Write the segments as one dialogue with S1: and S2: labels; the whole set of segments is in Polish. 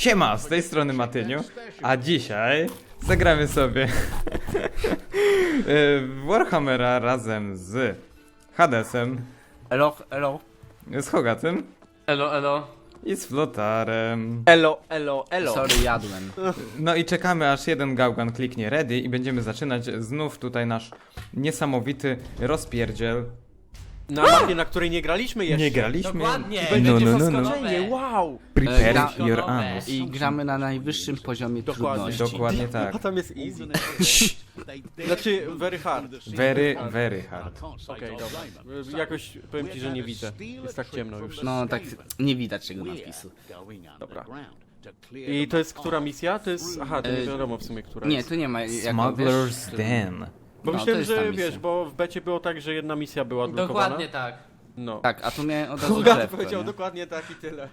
S1: Siema, z tej strony Matyniu, a dzisiaj zagramy sobie w Warhammera razem z Hadesem,
S2: Elo, elo.
S1: z Hogatym
S3: Elo, elo.
S1: i z Flotarem.
S4: Elo, elo, elo.
S2: Sorry, jadłem.
S1: No i czekamy, aż jeden gałgan kliknie ready i będziemy zaczynać znów tutaj nasz niesamowity rozpierdziel.
S4: Na mapie, na której nie graliśmy jeszcze.
S1: Nie graliśmy?
S3: Dokładnie.
S4: Będziecie
S1: No.
S4: zaskoczeni, wow.
S1: Prepare
S2: Gra-
S1: your anus.
S2: I gramy na najwyższym poziomie
S4: Dokładnie.
S2: trudności.
S1: Dokładnie tak.
S4: A tam jest easy. Znaczy, very hard.
S1: Very hard.
S4: Okej, dobra. Jakoś powiem ci, że nie widzę. Jest tak ciemno już.
S2: No tak nie widać tego nadpisu.
S4: Dobra. I to jest która misja? To jest... Aha, to nie wiadomo w sumie, która
S2: Nie,
S4: jest.
S2: tu nie ma jak
S1: Smuggler's Den.
S4: Bo
S2: no,
S4: myślałem,
S2: to jest ta
S4: że
S2: misja.
S4: wiesz, bo w becie było tak, że jedna misja była odblokowana.
S3: Dokładnie tak.
S4: No.
S2: Tak, a tu miałem od razu
S4: Hogat
S2: drzewko,
S4: powiedział
S2: nie?
S4: dokładnie tak i tyle.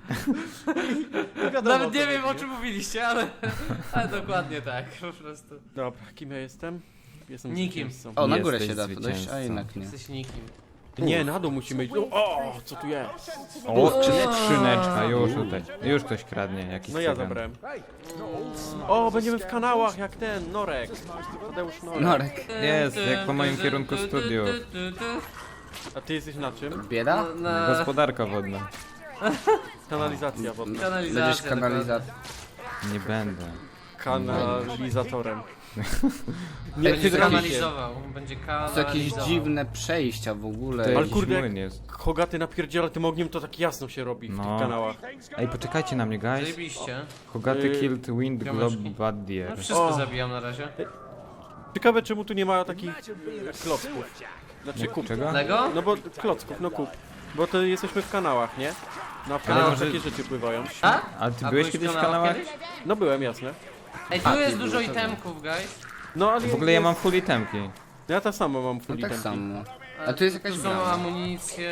S4: Nie wiadomo,
S3: Nawet nie
S4: co
S3: wiem o
S4: będzie.
S3: czym mówiliście, ale dokładnie tak, po prostu.
S4: Dobra, kim ja jestem? Jestem
S3: Nikim.
S4: zwycięzcą.
S2: O, na górę
S1: Jesteś
S2: się da dojść, a
S1: zwycięzcą.
S2: jednak nie.
S3: Jesteś nikim.
S4: Nie, na dół musimy iść. O, co tu jest?
S1: O, skrzyneczka, już tutaj. Już ktoś kradnie, jakiś
S4: No ja
S1: cygan.
S4: zabrałem. O, będziemy w kanałach jak ten, Norek. Tadeusz Norek.
S2: Norek.
S1: Jest, jak po moim kierunku studiów.
S4: A ty jesteś na czym?
S2: Bieda?
S3: Na
S1: Gospodarka wodna.
S4: Kanalizacja wodna.
S3: kanalizacja.
S2: Będziesz kanalizator.
S1: Nie będę.
S4: Kanalizatorem.
S3: Nie, będzie
S4: hydraulikiem.
S3: kanalizował. Będzie
S2: To
S3: kanalizował.
S2: jakieś dziwne przejścia w
S1: To
S2: ogóle.
S4: Ale
S1: jakiś
S4: kurde,
S1: młyn jest.
S4: Hogaty napierdziela tym ogniem, to tak jasno się robi w
S1: No.
S4: tych kanałach.
S1: Ej, poczekajcie na mnie, guys.
S3: Zajebiście.
S1: Hogaty killed wind globe
S3: Piąteczki.
S1: bad deer.
S3: No wszystko
S4: O.
S3: zabijam na razie.
S4: Ciekawe czemu tu nie ma takich klocków. Znaczy kup.
S1: Czego?
S3: Lego?
S4: No bo klocków, no kup. Bo to jesteśmy w kanałach, nie? No a w kanałach
S1: może-
S4: takie rzeczy pływają.
S3: A?
S1: A ty
S3: A
S1: byłeś kiedyś w kanałach?
S3: kiedyś?
S4: No byłem, jasne.
S3: Ej, tu
S2: A,
S3: jest
S2: ty
S3: dużo
S2: byłeś, to
S3: itemków, guys.
S4: No ale
S1: W ogóle ja mam full itemki.
S4: Ja tak samo mam
S2: No
S4: full
S2: tak
S4: itemki.
S2: samo. A tu jest jakaś
S3: Tu są
S2: brama.
S3: amunicje...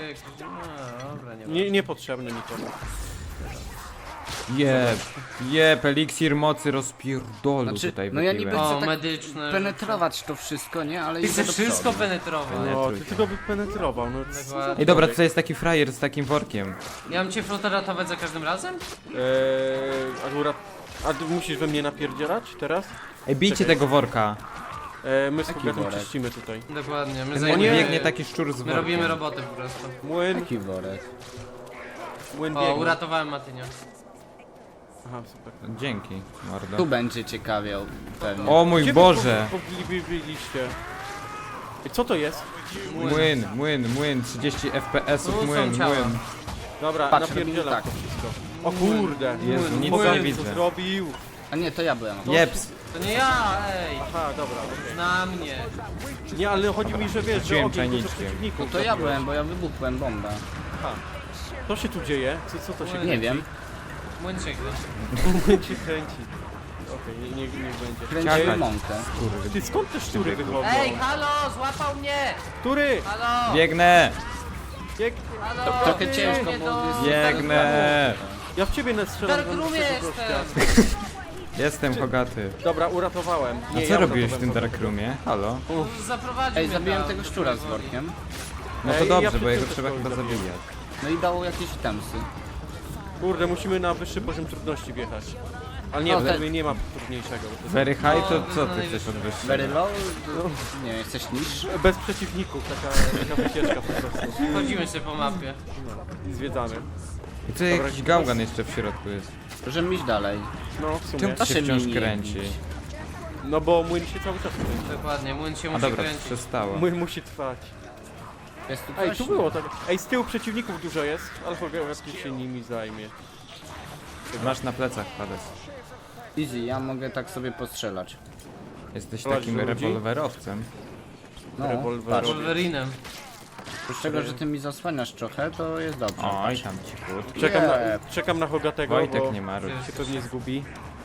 S3: No, dobra, nie ma.
S4: Niepotrzebne nikomu.
S1: Jeb, eliksir mocy rozpierdolu
S2: Znaczy,
S1: tutaj
S2: no ja
S1: wypiłem.
S2: niby-
S3: O,
S2: chcę tak
S3: medyczne.
S2: penetrować to wszystko, nie? Ale
S3: Ty
S2: idę
S3: chcesz
S2: do
S3: wszystko
S2: przodu.
S3: penetrować.
S4: No, ty
S1: trójkę.
S4: tylko by penetrował, no
S3: Dokładnie.
S1: Ej, dobra, to jest taki frajer z takim workiem.
S3: Ja mam cię flotę ratować za każdym razem?
S4: Akurat... A ty musisz we mnie napierdzielać teraz?
S1: Ej, bijcie
S4: Czekaj.
S1: tego worka.
S4: My z
S2: Taki
S4: Hogatem
S2: worek.
S4: czyścimy tutaj.
S3: Dokładnie, my
S1: Ten
S3: zajmujemy...
S1: biegnie taki szczur z
S3: My
S1: workiem.
S3: robimy robotę po prostu.
S4: Młyn,
S2: Taki worek.
S4: młyn
S3: O,
S4: biegnie.
S3: uratowałem Matynia.
S4: Aha, super.
S1: Dzięki,
S2: Tu
S1: mordo.
S2: będzie ciekawie pewnie.
S1: O mój
S4: Gdzie
S1: Boże!
S4: wy byliście? Ej, co to jest?
S1: Młyn, 30 FPS-ów,
S3: Tu są
S1: młyn.
S3: ciała.
S4: Dobra,
S2: Patrz,
S4: napierdzielam
S2: tak.
S4: to wszystko. O kurde!
S1: Jezu, nic
S4: Młyn,
S1: nie
S4: co
S1: widzę.
S4: zrobił?
S2: A nie, to ja byłem.
S1: Jeps,
S3: To nie ja, ej!
S4: Aha, dobra. okej.
S3: Na mnie.
S4: Nie, ale chodzi mi, że wiesz, że
S1: Rzuciłem
S4: ogień dużo
S1: czajniczkiem.
S4: przeciwników.
S2: To ja
S4: zabiłeś.
S2: byłem, bo ja wybuchłem bombę.
S4: Aha. Co się tu dzieje? Co to się
S2: Nie wiem.
S3: Młyńcie go.
S4: Młyn się kręci. Okej, niech będzie.
S2: Kręciłem
S1: Czekaj.
S2: mąkę.
S4: Ty skąd te szczury wychodzą?
S3: Ej, halo, złapał mnie!
S4: Który?
S3: Halo!
S1: biegnę,
S4: Jak...
S3: Halo!
S2: Trochę ciężko,
S3: Nie
S2: bo
S3: to-
S2: jest-
S1: biegnę.
S4: Ja w ciebie nastrzelam.
S3: Dark Roomie jestem!
S1: Jestem Hogaty.
S4: Dobra, uratowałem.
S1: A
S4: Nie,
S1: co
S4: ja
S1: robiłeś w
S4: uratowałem
S1: tym Dark
S4: kogoś.
S1: Roomie? Halo?
S3: Zaprowadził
S2: Ej,
S3: mnie
S2: zabiłem
S3: tam,
S2: tego
S3: do
S2: szczura z
S3: powoli.
S2: workiem.
S1: No to
S4: Ej,
S1: dobrze,
S4: ja
S1: bo jego
S4: przed
S1: trzeba
S4: tym
S1: chyba
S4: zabiłem.
S1: zabijać.
S2: No i dało jakieś temsy.
S4: Kurde, musimy na wyższy poziom trudności wjechać. Ale nie,
S2: No,
S4: w
S2: tak.
S4: sumie nie ma trudniejszego. bo to
S1: Very high, to
S3: No,
S1: co
S3: no
S1: ty
S3: i
S1: chcesz od
S2: Very
S1: wyższego?
S2: low? Nie, jesteś niższy?
S4: jest bez przeciwników, taka wycieczka po prostu.
S3: Chodzimy sobie po mapie.
S4: I zwiedzamy.
S1: I tu jakiś gałgan jeszcze w środku jest.
S2: Możemy iść dalej.
S4: No, w sumie.
S1: Czemu to
S2: Proszę
S1: się wciąż
S2: mi nie
S1: kręci?
S2: bić.
S4: No bo młyn się cały czas kręci.
S3: Dokładnie, młyn się
S1: A
S3: musi
S1: dobra,
S3: kręcić.
S1: przestało.
S4: Młyn musi trwać.
S2: Jest tu
S4: Ej,
S2: coś?
S4: tu było tak. Ej, z tyłu przeciwników dużo jest, ale Hogaty się nimi zajmie.
S1: Masz na plecach, Hades.
S2: Easy, ja mogę tak sobie postrzelać.
S1: Jesteś
S4: Prowadź
S1: takim
S4: ludzi.
S1: rewolwerowcem.
S2: No,
S4: Rewolwer.
S2: patrz.
S3: Wolverinem.
S2: Oprócz tego, że ty mi zasłaniasz trochę, to jest dobrze.
S1: Oj, tam cichutko.
S4: Czekam na Hogatego,
S1: Wojtek
S4: bo
S1: nie marudź.
S4: się pewnie zgubi.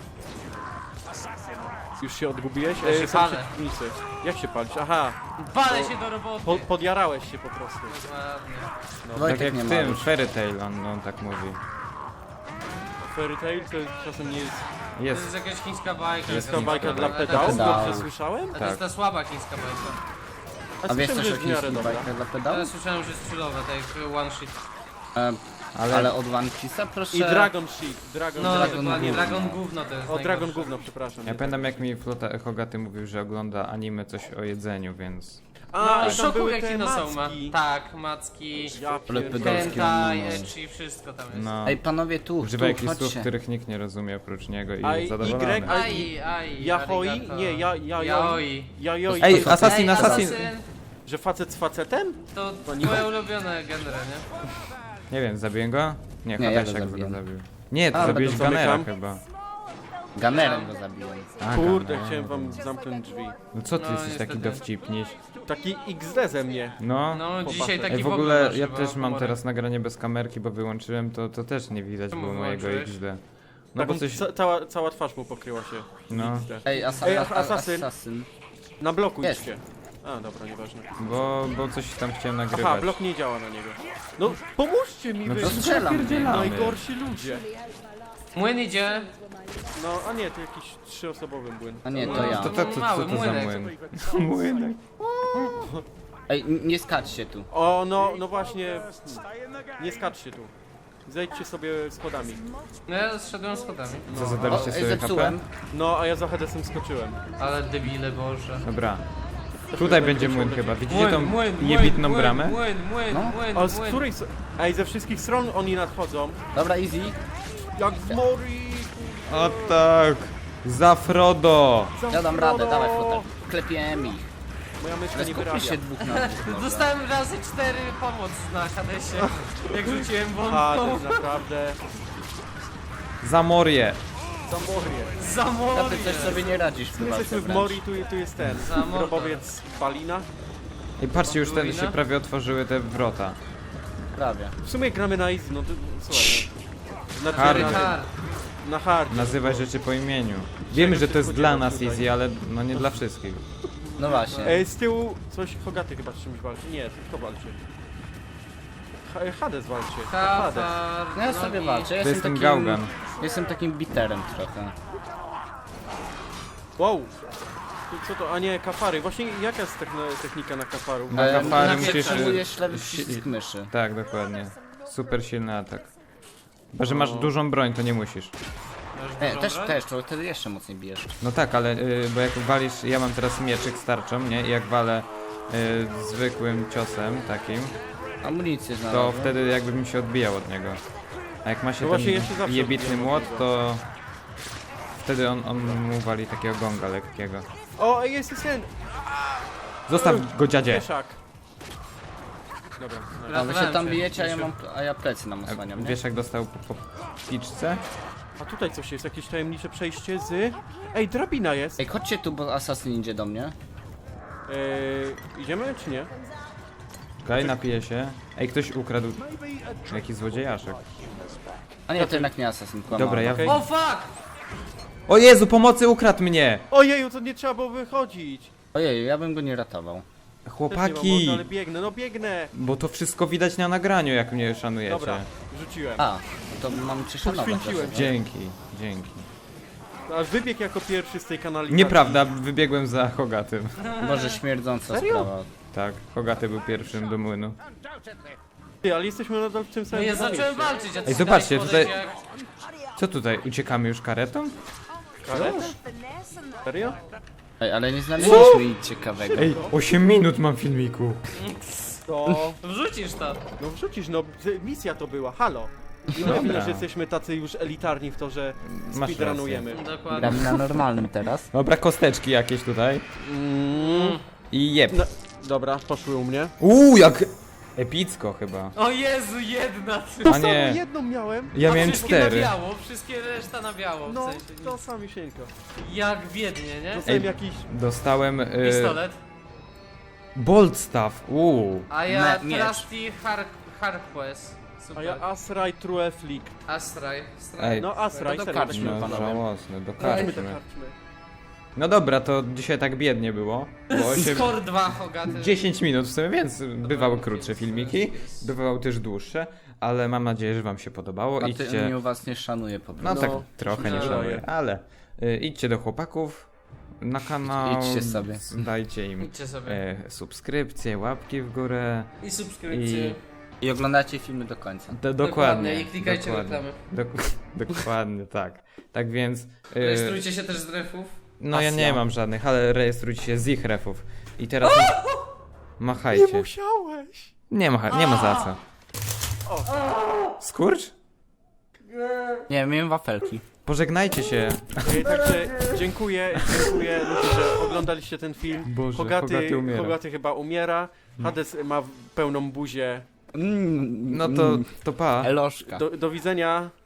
S4: Już się odgubiłeś?
S3: Ja się
S4: są
S3: palę.
S4: przeciwnicy. Jak się palisz? Aha,
S3: Palę się do roboty.
S4: podjarałeś się po prostu.
S3: Dokładnie.
S1: Tak
S2: Wojtek
S1: jak
S2: nie
S1: w
S2: ma.
S1: tym, Fairy Tail, on tak mówi.
S4: Fairy Tail to czasem nie jest
S3: To
S1: Jest.
S3: jest jakaś chińska bajka.
S1: Jest
S4: ta
S3: jakaś
S4: bajka
S3: chińska
S4: dla
S3: bajka.
S4: pedałów,
S2: Pedał.
S4: dobrze słyszałem?
S3: A to jest ta słaba chińska bajka.
S2: A wiesz
S4: słyszałem,
S2: też
S4: że
S2: o
S4: jest w miarę
S2: chińskiej
S4: dobra.
S2: bajkach dla
S3: Ja
S2: pedałów?
S3: słyszałem, że jest chillowe, tak jak One Shit.
S2: Ale od One Piece'a proszę.
S4: I Dragon Ship, Dragon
S3: No
S4: Dragon
S3: dokładnie,
S2: Gówno.
S3: Dragon Gówno to jest
S4: O, Dragon
S3: najgorsze.
S4: Gówno, przepraszam.
S1: Ja pamiętam jak mi Flota Hogaty mówił, że ogląda anime coś o jedzeniu, więc...
S4: A,
S3: No,
S4: i tam były
S3: Shokugeki
S4: te
S3: no są ma.
S4: macki.
S3: Tak, macki,
S4: Ja
S2: Ale
S4: pierdolę.
S2: pedalskie.
S3: hentai,
S2: no.
S3: ecchi, wszystko tam jest.
S1: No,
S2: Ej, panowie, tu
S1: używa jakichś słów,
S2: chodźcie.
S1: których nikt nie rozumie oprócz niego i
S4: A
S1: jest zadowolony.
S4: Y,
S3: Ai,
S4: Yahoi?
S3: arigato.
S4: Nie,
S3: Yaoi.
S4: Yayoi.
S1: Ej,
S4: To-
S1: Assassin,
S3: Ej,
S1: Assassin!
S4: Że facet z facetem?
S3: To
S4: nie
S3: twoje ulubione genre, nie?
S1: Nie wiem, zabiję go? Nie,
S2: Nie, ja go
S1: Hadesiak go
S2: zabiłem.
S1: zabił. Nie, to
S2: A,
S1: zabiłeś
S4: będę
S1: Gunnera
S4: zamykam.
S1: chyba.
S2: Ganerem go zabiłem.
S1: A,
S4: Kurde,
S1: Gunner.
S4: chciałem wam zamknąć drzwi.
S1: No co ty
S3: No,
S1: jesteś taki
S3: niestety.
S1: dowcipniś?
S4: Taki XD ze mnie.
S1: No.
S3: No dzisiaj
S4: Chłopacy.
S3: taki
S1: Ej, w ogóle
S3: masz
S1: ja
S3: chyba
S1: też mam
S3: humorek.
S1: teraz nagranie bez kamerki, bo wyłączyłem, to też nie widać
S3: Czemu
S1: było mojego
S3: wyłączyłeś?
S1: XD. No
S4: No
S1: bo coś...
S4: cała twarz mu pokryła się.
S1: No.
S4: XD.
S2: Ej,
S4: Ej,
S2: Assassin.
S4: Assassin. Na bloku
S2: Jest.
S4: idźcie. A, dobra, nieważne.
S1: Bo coś tam chciałem nagrywać.
S4: Aha, blok nie działa na niego. No, pomóżcie mi
S1: No
S4: wy,
S1: to
S2: strzelam.
S1: spierdzielamy.
S4: najgorsi ludzie.
S3: Młyn idzie.
S4: No, a nie, to jakiś 3-osobowy młyn.
S2: A nie, to
S3: No,
S2: ja.
S1: To co
S3: Mały
S1: to za
S3: młynek.
S1: młyn? Młynek.
S2: Ej, nie skaczcie tu.
S4: O, no właśnie. Nie skaczcie tu. Zejdźcie sobie schodami.
S3: No ja zszedłem schodami.
S1: Co,
S2: O,
S1: zadaliście sobie
S2: zepsułem.
S1: HP?
S4: No, a ja za Hadesem skoczyłem.
S3: Ale debile, Boże.
S1: Dobra. Tutaj będzie młyn chyba. Widzicie tą
S3: Młyn,
S1: jebitną bramę?
S3: Młyn,
S2: No.
S4: A z której... Ej, ze wszystkich stron oni nadchodzą.
S2: Dobra, easy.
S4: Jak w Mori.
S1: O tak! Za Frodo!
S4: za
S2: Ja dam
S4: Frodo.
S2: radę, dawaj flotar. Klepiemy ich.
S4: Moja myszka
S2: Ale
S4: nie
S2: skupmy
S4: wyrabia.
S2: się dwóch na dwóch. dobra.
S3: Dostałem razy 4 pomoc na Hadesie, jak rzuciłem
S4: A, to
S3: bombą.
S4: jest naprawdę...
S1: Za Morię!
S4: Za Morię.
S3: Za
S2: Ja
S3: morze.
S2: ty coś sobie nie radzisz w
S4: My jesteśmy w
S2: wręcz.
S4: Mori, tu jest ten.
S3: Za morze.
S4: Grobowiec Balina.
S1: I patrzcie, już wtedy
S3: Ruina?
S1: się prawie otworzyły te wrota.
S2: Prawie.
S4: W sumie gramy na easy, no to słuchaj. No.
S1: Hard.
S4: Na hard.
S1: Nazywaj rzeczy po imieniu. Wiemy, że to jest dla nas
S4: tutaj.
S1: easy, ale no nie dla wszystkich.
S2: No właśnie.
S4: Ej, z tyłu coś Hogaty chyba z czymś walczy. Nie, kto walczy? Hades walczy. Hades.
S3: Kafar,
S2: No ja sobie
S3: nogi.
S2: walczę. Ja
S1: To jest ten
S2: takim,
S1: gałgan.
S2: Jestem takim biterem trochę.
S4: Wow. Co to? A nie, kafary. Właśnie jaka jest technika na kafaru?
S1: Na kafary
S3: na
S1: musisz...
S2: Przytrzymujesz lewy
S1: si-
S2: przycisk myszy.
S1: Tak, dokładnie. Super silny atak. Chyba, że masz dużą broń, to nie musisz.
S3: Masz dużą broń?
S2: Też, to wtedy jeszcze mocniej bijesz.
S1: No tak, ale bo jak walisz, ja mam teraz mieczyk z tarczą, nie? I jak walę zwykłym ciosem takim,
S2: Amunicję
S1: to
S2: znalazłem.
S1: wtedy jakby mi się odbijał od niego. A jak ma się
S4: No właśnie, ja się
S1: ten
S4: zawsze
S1: jebitny
S4: odbijam od
S1: młot,
S4: niego.
S1: to wtedy on mu wali takiego gonga lekkiego.
S4: O, ej, jest ten!
S1: Zostaw go, dziadzie!
S4: Wieszak. Dobra.
S2: A wy się
S3: Ratowałem
S2: tam
S3: się.
S2: bijecie, a ja plecy nam osłaniam, nie?
S1: Wiesz jak dostał po piczce?
S4: A tutaj coś jest, jakieś tajemnicze przejście z... Ej, drabina jest!
S2: Ej, chodźcie tu, bo asasyn idzie do mnie.
S4: Idziemy czy nie?
S1: Okej, napije się. Ej, ktoś ukradł jakiś złodziejaszek.
S2: A nie, to jednak nie asasyn, kłamałem.
S1: Dobra, ja...
S4: Okej.
S3: O fuck!
S1: O Jezu, pomocy, ukradł mnie!
S4: Ojeju, to nie trzeba było wychodzić!
S2: Ojej, ja bym go nie ratował.
S4: Też nie mam
S1: Chłopaki!
S4: mocy, ale biegnę, no biegnę!
S1: Bo to wszystko widać na nagraniu, jak mnie szanujecie.
S4: Dobra, rzuciłem.
S2: A, no to mam cię szanować.
S4: Poświęciłem
S2: też.
S1: Dzięki, dzięki.
S4: Aż wybiegł jako pierwszy z tej kanalizacji.
S1: Nieprawda, wybiegłem za Hogatym.
S2: Boże, śmierdząca
S4: Serio?
S2: sprawa.
S1: Tak, Hogaty był pierwszym do młynu.
S4: Ty, ale jesteśmy nadal w tym
S3: No
S4: samym
S3: ja zacząłem
S4: mieście.
S3: walczyć, a ty
S1: Ej, zobaczcie,
S3: dałeś
S1: tutaj-
S3: podejść
S1: Co tutaj, uciekamy już karetą?
S4: Karet? Serio?
S2: Ej, ale nie znaleźliśmy nic ciekawego.
S1: Ej, 8 minut mam filmiku.
S4: To...
S3: Wrzucisz to.
S4: No wrzucisz, no misja to była, halo! I
S1: Dobra.
S4: mówię, że jesteśmy tacy już elitarni w to, że
S1: Masz
S4: speedrunujemy.
S3: Dokładnie.
S2: Gramy na normalnym teraz.
S1: Dobra, kosteczki jakieś tutaj. I jeb.
S4: No, dobra, poszły u mnie.
S1: Jak epicko chyba.
S3: O Jezu, jedna ty.
S1: A
S4: Samo
S1: nie,
S4: jedną miałem.
S1: ja
S3: A
S1: miałem
S3: wszystkie
S1: 4.
S3: na biało, wszystkie reszta na biało. W
S4: No,
S3: sensie,
S4: to samisieńko.
S3: jak biednie, nie?
S4: Dostałem
S1: Ej.
S4: jakiś...
S1: Dostałem
S3: Pistolet.
S1: bolt staff.
S3: A ja
S2: miecz.
S3: Trusty Harquest.
S4: A
S3: Super.
S4: ja Asraj True Flick.
S3: Astraj.
S1: Ej.
S4: No Asraj,
S2: To do
S4: serio.
S2: karczmy.
S1: No
S2: panowie.
S1: żałosne, do
S4: Chodźmy do
S1: karczmy.
S4: karczmy.
S1: No dobra, to dzisiaj tak biednie było. Bo 8,
S3: Skor 2 Hogaty.
S1: 10 minut w sumie, więc bywały krótsze filmiki, bywały też dłuższe, ale mam nadzieję, że wam się podobało.
S2: A
S1: Idźcie.
S2: ty was nie szanuje po
S1: No
S2: prostu.
S1: tak
S4: No,
S1: trochę nie
S3: no.
S1: szanuję, ale idźcie do chłopaków na kanał,
S2: Idźcie sobie.
S1: dajcie im
S3: Idźcie sobie.
S1: subskrypcje, łapki w górę
S3: I subskrypcje.
S2: I oglądacie filmy do końca.
S1: Dokładnie.
S3: I klikajcie
S1: dokładnie.
S3: reklamy.
S1: Dokładnie, tak. Tak więc...
S3: Rejestrujcie się też z refów.
S1: No ja nie
S2: Pasja.
S1: mam żadnych, ale rejestrujcie się z ich refów. I teraz... Machajcie.
S4: Nie musiałeś!
S1: Nie ma za co. Skurcz?
S2: Nie, miałem wafelki.
S1: Pożegnajcie się.
S4: Także dziękuję ludzie, że oglądaliście ten film.
S1: Boże, Hogaty umiera.
S4: Hogaty chyba umiera. Hades ma pełną buzię.
S1: No to pa.
S2: Eloszka.
S4: Do widzenia.